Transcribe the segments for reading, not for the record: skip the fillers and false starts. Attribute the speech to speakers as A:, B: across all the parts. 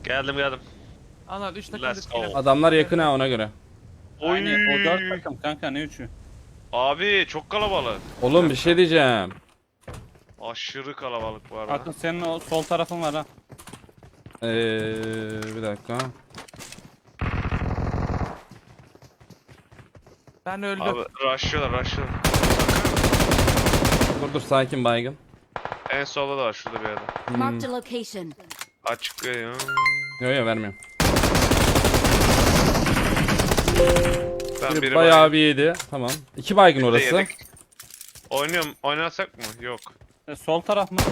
A: Geldim.
B: Anladım 3 takım
A: Let's go.
B: riskiyle.
C: Adamlar yakın ha, ona göre.
A: Oy.
D: Yani o 4 takım kanka, ne 3'ü?
A: Abi çok kalabalık.
C: Oğlum bir şey diyeceğim.
A: Aşırı kalabalık bu arada.
D: Akın senin o sol tarafın var ha.
C: Bir dakika.
B: Ben öldüm.
A: Abi rushlıyorlar.
C: Dur sakin baygın.
A: En solda da var şurada bir yerde.
E: Marked a location.
A: Açık ya.
C: Yo vermiyorum.
A: Ben biri
C: Bayağı bir yedi. Tamam. 2 baygın orası.
A: yedik. Oynasak mı? Yok.
D: Sol taraf mı?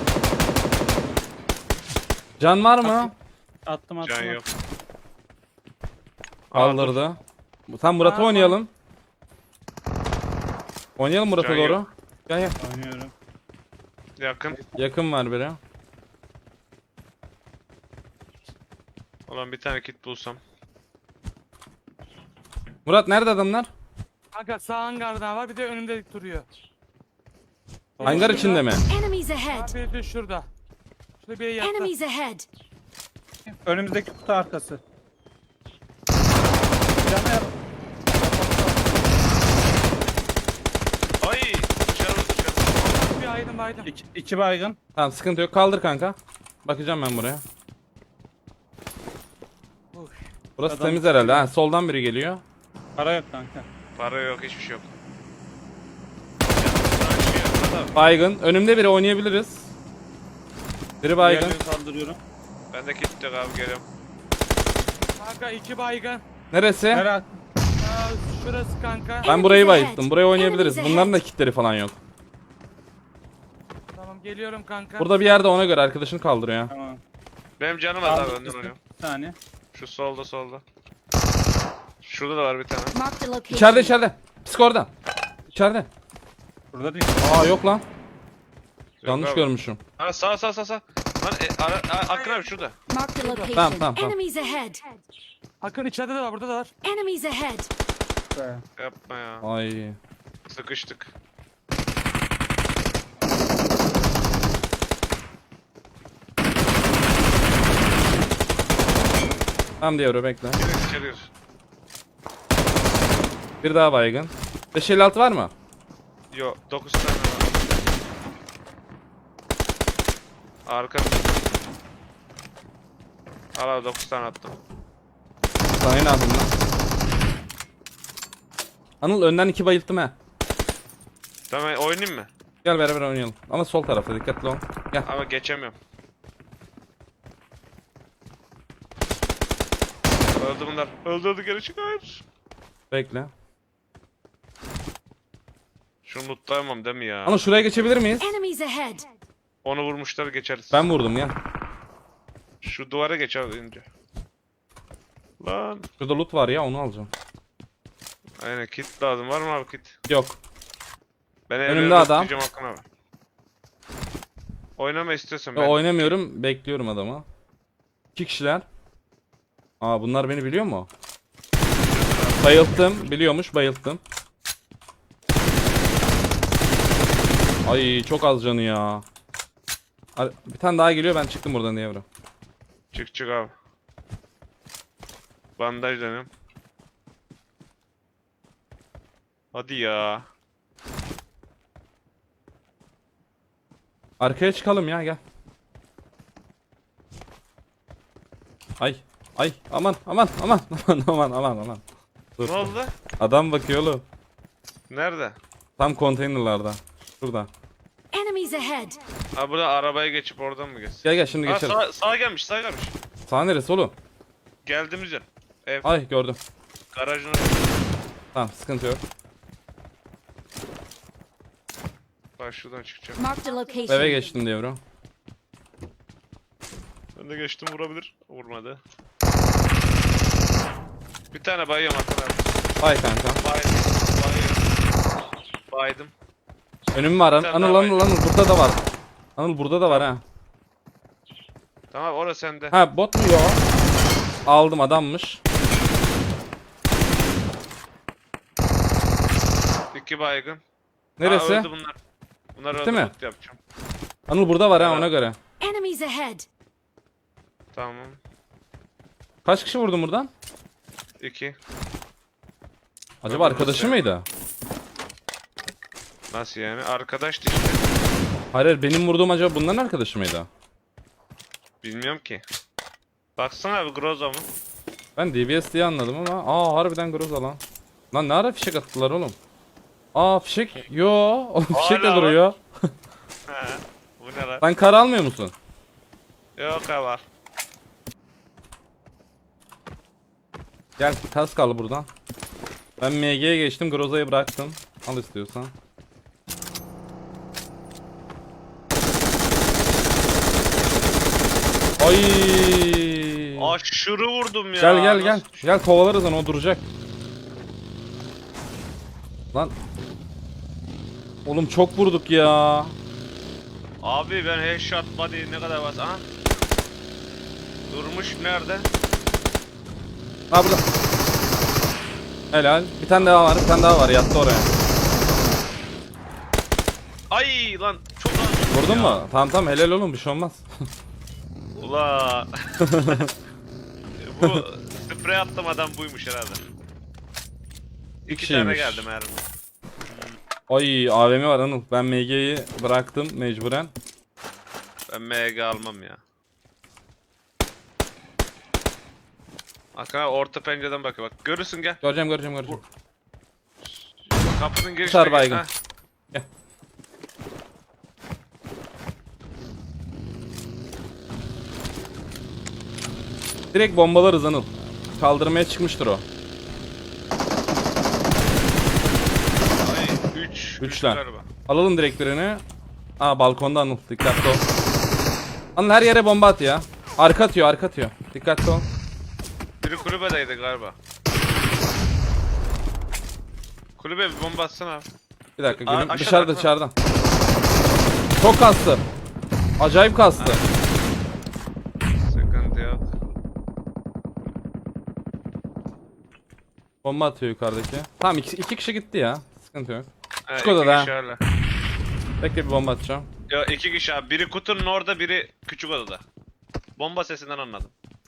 C: Can var mı?
D: Attım.
A: Can yok.
C: Kaldırdı. Tam Murat'a
B: Aa,
C: oynayalım. Oynayalım Murat'a
A: Can
C: doğru.
A: yok.
C: Gel.
D: Oynuyorum.
A: Yakın.
C: Yakın var biri.
A: Ulan bir tane kit bulsam.
C: Murat nerede adamlar?
B: Kanka sağ hangardan var bir de önümde duruyor.
C: Hangar içinde mi?
E: Enemies ahead.
B: Abi de şurada. Şurada bir yattı.
E: Enemies ahead.
D: Önümüzdeki kutu arkası. Canı yap.
A: Ay! Dışarı.
B: Bir aydım.
D: İki baygın.
C: Tamam sıkıntı yok. Kaldır kanka. Bakacağım ben buraya.
B: Uy.
C: Burası
D: Adam-
C: temiz herhalde. Ha, soldan biri geliyor.
D: Para yok kanka.
A: Para yok, hiçbir şey yok. Burada.
C: Baygın. Önümde biri, oynayabiliriz. Biri baygın.
D: Diğerlerini kaldırıyorum.
A: Ben de kit yok abi, geliyorum.
B: Kanka 2 baygın.
C: Neresi?
D: Merak.
B: Şurası kanka.
C: Ben burayı bayılttım. Buraya oynayabiliriz. Bunların da kitleri falan yok.
B: Tamam geliyorum kanka.
C: Burada bir yerde, ona göre arkadaşını kaldırıyor ya.
D: Tamam.
A: Benim canım var abi,
D: Aldım,
A: önden oynuyorum.
D: bir saniye.
A: Şu solda. Şurada da var bir tane.
E: Marked a location.
C: İçeride. Psikorda. İçeride.
D: Burada değil.
C: Aa yok lan.
A: Yok
C: Yanlış
A: abi.
C: görmüşüm.
A: Ha sağ. Lan Akın abi şurada.
E: Marked a location.
C: Tamam.
E: Enemies ahead.
B: Akın içeride de var burada da var.
E: Enemies ahead.
D: Be.
A: Yapma ya.
C: Ay.
A: Sıkıştık.
C: Tamam diyor, bekle.
A: İçeri.
C: Bir daha baygın. 556 var mı?
A: Yok 9 tane var. Arka. Al abi 9 tane attım.
C: Sana ne yapayım lan? Anıl önden 2 bayılttım ha.
A: Tamam oynayayım mı?
C: Gel beraber oynayalım. Ama sol tarafta dikkatli ol. Gel.
A: Ama geçemiyorum. Öldü bunlar. Öldü geri çık, hayır.
C: Bekle.
A: Şunu lootlayamam değil mi ya?
C: Anıl şuraya geçebilir miyiz?
E: Enemies ahead.
A: Onu vurmuşlar, geçeriz.
C: Ben vurdum ya.
A: Şu duvara geç abi önce. Lan.
C: Şurada loot var ya, onu alacağım.
A: Aynen, kit lazım. Var mı abi kit?
C: Yok.
A: Ben
C: Önümde
A: evleri
C: adam.
A: lootlayacağım Hakan abi. Oynama istiyorsan
C: Ya,
A: ben.
C: oynamıyorum. Bekliyorum adamı. 2 kişiler. Aa bunlar beni biliyor mu? Bayılttım. Biliyormuş, bayılttım. Ay çok az canı ya. Bir tane daha geliyor, ben çıktım buradan diye bro.
A: Çık abi. Bandaj dönüyorum. Hadi ya.
C: Arkaya çıkalım ya, gel. Ay aman. Dur.
A: Ne oldu?
C: Adam bakıyor oğlum.
A: Nerede?
C: Tam konteynerlarda. Şurada.
E: Enemies ahead.
A: Ha burada arabaya geçip oradan mı geç?
C: Gel şimdi
A: Ha
C: geçelim.
A: sağa gelmiş.
C: Sağ neresi oğlum?
A: Geldiğimiz yer. Ev.
C: Ay gördüm.
A: Garajın orası.
C: Tamam sıkıntı yok.
A: Bak şuradan çıkacağım.
E: Marked a location.
C: Eve geçtim diye bro.
A: Ben de geçtim, vurabilir. Vurmadı. Bir tane bayıyorum Hakan abi.
C: Ay kanka.
A: Baydım.
C: Önüm var.
A: Bir tane
C: Anıl
A: daha
C: burada da var. Anıl burada da var ha.
A: Tamam orası sende.
C: Ha bot mu? Yo. Aldım, adammış.
A: 2 baygın.
C: Neresi?
A: Aa, öldü bunlar. Bunlar
C: Bitti
A: öldü,
C: mi?
A: loot yapacağım.
C: Anıl burada var ha,
A: Evet.
C: ona göre.
E: Enemies ahead.
A: Tamam.
C: Kaç kişi vurdun buradan?
A: 2.
C: Acaba arkadaşı mıydı?
A: Nasıl yani? Arkadaştı işte.
C: Hayır, benim vurduğum acaba bunların arkadaşı mıydı?
A: Bilmiyorum ki. Baksana abi Groza mı?
C: Ben DBS diye anladım ama harbiden Groza lan. Lan ne ara fişek attılar oğlum? Fişek. Yo, oğlum fişek de
A: Hala
C: duruyor.
A: He. Bu ne lan?
C: Sen kar almıyor musun?
A: Yok abi var.
C: Gel kask al buradan. Ben MG'ye geçtim, Groza'yı bıraktım. Al istiyorsan. Ay.
A: Aşırı vurdum ya.
C: Gel.
A: Nasıl-
C: Gel kovalarız onu, o duracak. Lan. Oğlum çok vurduk ya.
A: Abi ben headshot body ne kadar bas? Aha. Durmuş nerede?
C: Ha burada. Helal. Bir tane daha var, yattı oraya.
A: Ay lan çok az.
C: Vurdun
A: ya.
C: mu? Tamam helal oğlum, bir şey olmaz.
A: Ula. Bu sprey attım adam buymuş herhalde. İki tane
C: kişiymiş.
A: geldi mermi.
C: Ay AVM var Anıl. Ben MG'yi bıraktım mecburen.
A: Ben MG almam ya. Hakan abi orta pencereden bakıyor bak. Görürsün gel.
C: Göreceğim.
A: Kapının girişine
C: Tutar
A: gel.
C: baygın.
A: Ha.
C: Gel. Direkt bombalarız Anıl. Kaldırmaya çıkmıştır o.
A: Ay 3.
C: Üçler. Alalım direkt birini. Balkonda Anıl. Dikkatli ol. Anıl her yere bomba at ya. Arka atıyor. Dikkatli ol.
A: Biri kulübedeydi galiba. Kulübe bir bomba atsana abi.
C: Bir dakika gülüm.
A: Aşağıda,
C: Dışarıdan. Çok kastı. Acayip kastı.
A: Sıkıntı yok.
C: Bomba atıyor yukarıdaki. Tamam iki kişi gitti ya. Sıkıntı yok. Küçük
A: İki
C: odada.
A: kişi öyle.
C: Bekle bir bomba atacağım.
A: Ya 2 kişi abi. Biri kutunun orada, biri küçük odada. Bomba sesinden anladım.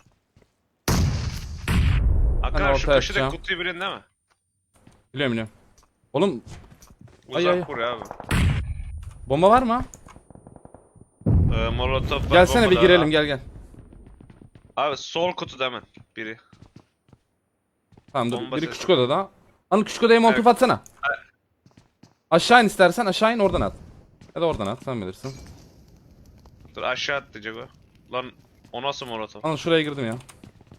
A: Hakan abi şu
C: ortaya
A: köşede
C: atacağım.
A: kutuyu bilin değil mi?
C: Biliyorum. Oğlum
A: Uzak
C: ay.
A: kur abi.
C: bomba var mı?
A: Molotof var.
C: Gelsene bir
A: bomba da
C: girelim,
A: var.
C: gel.
A: Abi sol kutuda hemen biri.
C: Tamam dur.
A: Bomba
C: Biri
A: sesi.
C: küçük odada. Anıl küçük odaya molotof
A: Evet.
C: atsana. Aşağı in istersen, aşağı in oradan at. Ya da oradan at, sen bilirsin.
A: Dur aşağı atlayacak o. Lan o nasıl molotof?
C: Anıl şuraya girdim ya.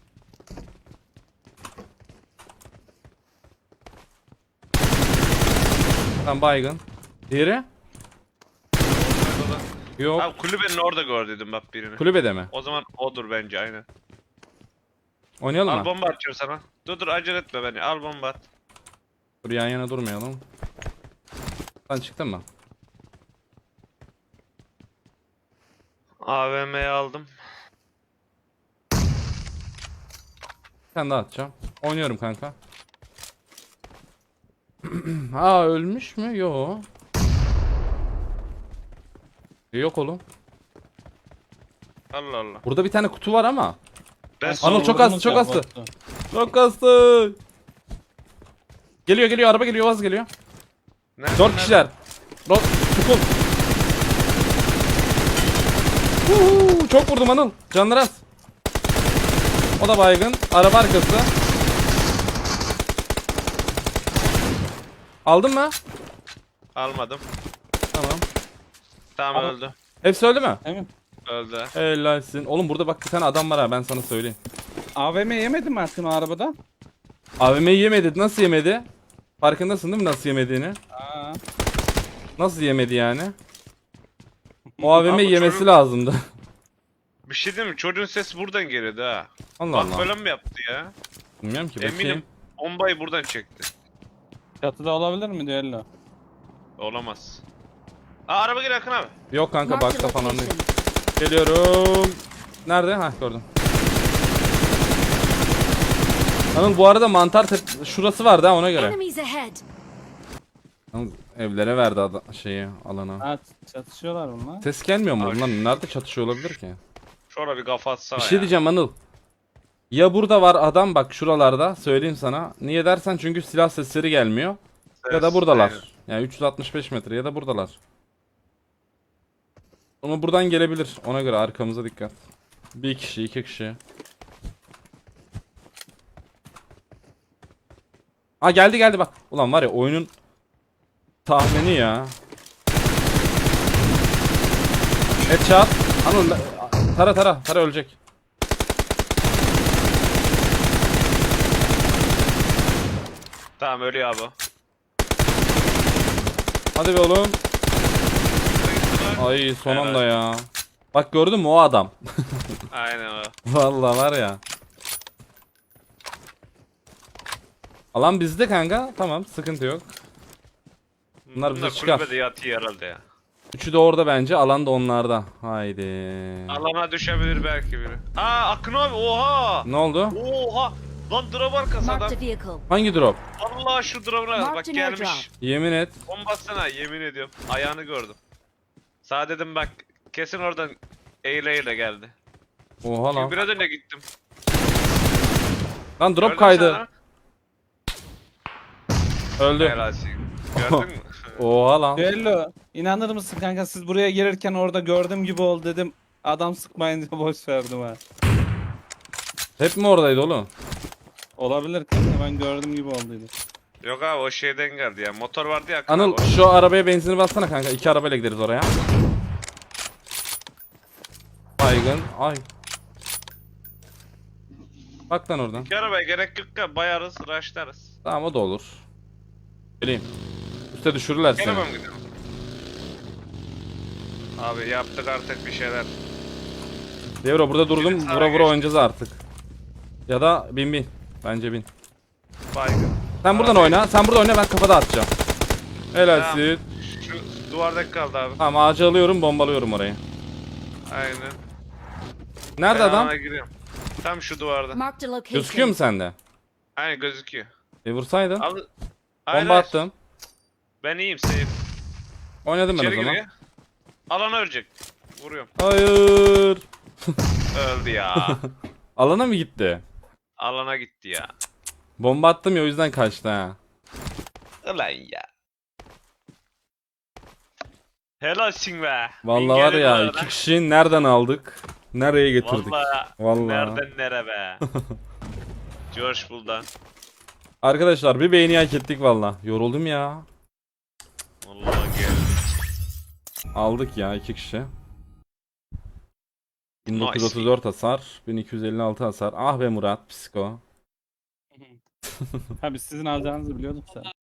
C: Tamam baygın. Diğeri? Yok.
A: Abi kulübenin orada gördüydüm bak birini.
C: Kulübede mi?
A: O zaman odur bence aynen.
C: Oynayalım
A: Al
C: mı?
A: bomba atıyorum sana. Dur acele etme beni. Al bomba at.
C: Dur yan yana durmayalım. Sen çıktın mı?
A: AVM'yi aldım.
C: Sen daha atacağım. Oynuyorum kanka. Ölmüş mü? Yo. Yok oğlum.
A: Allah Allah.
C: Burada bir tane kutu var ama.
A: Ben
C: Anıl
A: sol
C: çok
D: Vurdum
C: az, çok
D: ya,
C: az.
D: baktı.
C: Çok kastı. Geliyor, araba geliyor, vaz geliyor.
A: Nerede,
C: 4 kişiler. Çukul. Çok vurdum Anıl. Canları az. O da baygın. Araba arkası. Aldın mı?
A: Almadım.
C: Tamam.
A: Tamam
D: Al.
A: öldü.
C: Hepsi öldü mü?
D: Emin.
A: Öldü.
C: Helalsin. Oğlum burada bak bir tane adam var ha, ben sana söyleyeyim.
D: AVM yemedin mi Erkin o arabada?
C: AVM'yi yemedi. Nasıl yemedi? Farkındasın değil mi nasıl yemediğini?
D: Aa.
C: Nasıl yemedi yani? O AVM
A: Abi
C: yemesi
A: çocuk-
C: lazımdı.
A: Bir şey değil mi? Çocuğun sesi buradan geliyordu ha.
C: Allah
A: Bak
C: Allah.
A: böyle mi yaptı ya?
C: Bilmiyorum ki, bakayım.
A: Eminim bombayı buradan çekti.
D: Çatıda olabilir mi düello?
A: Olamaz. Araba geliyor Akın abi.
C: Yok kanka,
E: Marked a
C: bakta falan değil.
E: location.
C: Geliyorum. Nerede? Gördüm. Anıl bu arada şurası vardı ha, ona göre.
E: Enemies ahead.
C: Anıl evlere verdi şeyi, alana.
D: Ha, çatışıyorlar bunlar.
C: Ses gelmiyor mu
A: Abi.
C: lan? Nerede çatışıyor olabilir ki?
A: Şöyle bir kafa atsana
C: Bir şey
A: ya.
C: diyeceğim Anıl. Ya burada var adam bak şuralarda söyleyeyim sana. Niye dersen çünkü silah sesleri gelmiyor. Ya da buradalar.
A: Aynen.
C: Yani 365 metre ya da buradalar. Ama buradan gelebilir. Ona göre arkamıza dikkat. Bir kişi, iki kişi. Aa geldi bak. Ulan var ya oyunun tahmini ya. Headshot. Anıl tara ölecek.
A: Tamam ölüyor abi.
C: Hadi be oğlum. Ay son
A: Evet.
C: anda ya. Bak gördün mü o adam.
A: Aynen o.
C: Vallahi var ya. Alan bizde kanka. Tamam sıkıntı yok. Bunlar bize çıkar.
A: Kulübede yatıyor herhalde ya.
C: Üçü de orada bence. Alan da onlarda. Haydi.
A: Alana düşebilir belki biri. Aa Akın abi oha.
C: Ne oldu?
A: Oha. Lan drop arkası adam.
E: Marked a vehicle.
C: Hangi drop?
A: Allah şu drop'una bak
E: Marked an
A: gelmiş.
E: airdrop.
C: Yemin et.
A: Bombasına yemin ediyorum. Ayağını gördüm. Sağ dedim bak kesin oradan eğile geldi.
C: Oha lan.
A: Çünkü biraz önce gittim.
C: Lan drop
A: Gördün mü
C: kaydı.
A: sen ha?
C: Öldü.
A: Helal olsun. Gördün mü?
C: Oha lan.
D: Düello inanır mısın kanka siz buraya gelirken orada gördüğüm gibi oldu dedim. Adam sıkmayınca boş verdim ha.
C: Hep mi oradaydı oğlum?
D: Olabilir kanka ben gördüğüm gibi olduydu.
A: Yok abi o şeyden geldi ya. Motor vardı ya. Akın
C: Anıl
A: abi.
C: şu arabaya benzini bassana kanka. 2 arabayla gideriz oraya. Baygın. Ay. Bak lan oradan.
A: İki arabaya gerek yok ya. Bayarız, rushlarız.
C: Tamam o da olur. Geleyim. Üste düşürürler seni.
A: Gelemem gidiyorum. Abi yaptık artık bir şeyler.
C: Devro burada durdum.
A: Birisi sağa
C: Vura vura
A: geçti.
C: oynayacağız artık. Ya da bin. Bence bin.
A: Baygın.
C: Sen buradan
A: Abi,
C: oyna. Sen burada oyna ben kafada atacağım. Helalsin.
A: Şu duvardaki kaldı abi.
C: Tamam ağacı alıyorum bombalıyorum orayı.
A: Aynen.
C: Nerede
A: Ben
C: adam?
A: alana giriyorum. Tam şu duvarda.
E: Marked a location.
C: Gözüküyor mu sende?
A: Aynen gözüküyor.
C: Vursaydın.
A: Al.
C: Bomba
A: Aynen.
C: attım.
A: Ben iyiyim safe.
C: Oynadım ben o
A: İçeri
C: zaman.
A: giriyor. Alana ölecek. Vuruyorum.
C: Hayır.
A: Öldü ya.
C: Alana mı gitti?
A: Alana gitti ya.
C: Bomba attım ya o yüzden kaçtı ha.
A: Ulan ya. Helalsin be.
C: Vallahi var
A: Bin
C: ya
A: geldi bu
C: iki
A: arada.
C: kişiyi nereden aldık? Nereye getirdik?
A: Vallahi.
C: Vallahi.
A: Nereden nere be. George Bull'dan.
C: Arkadaşlar bir beğeni hak ettik valla. Yoruldum ya.
A: Vallahi geldi.
C: Aldık ya iki kişi. 1934 hasar, 1256 hasar. Ah be Murat, psiko.
D: Abi sizin alacağınızı biliyorduk da.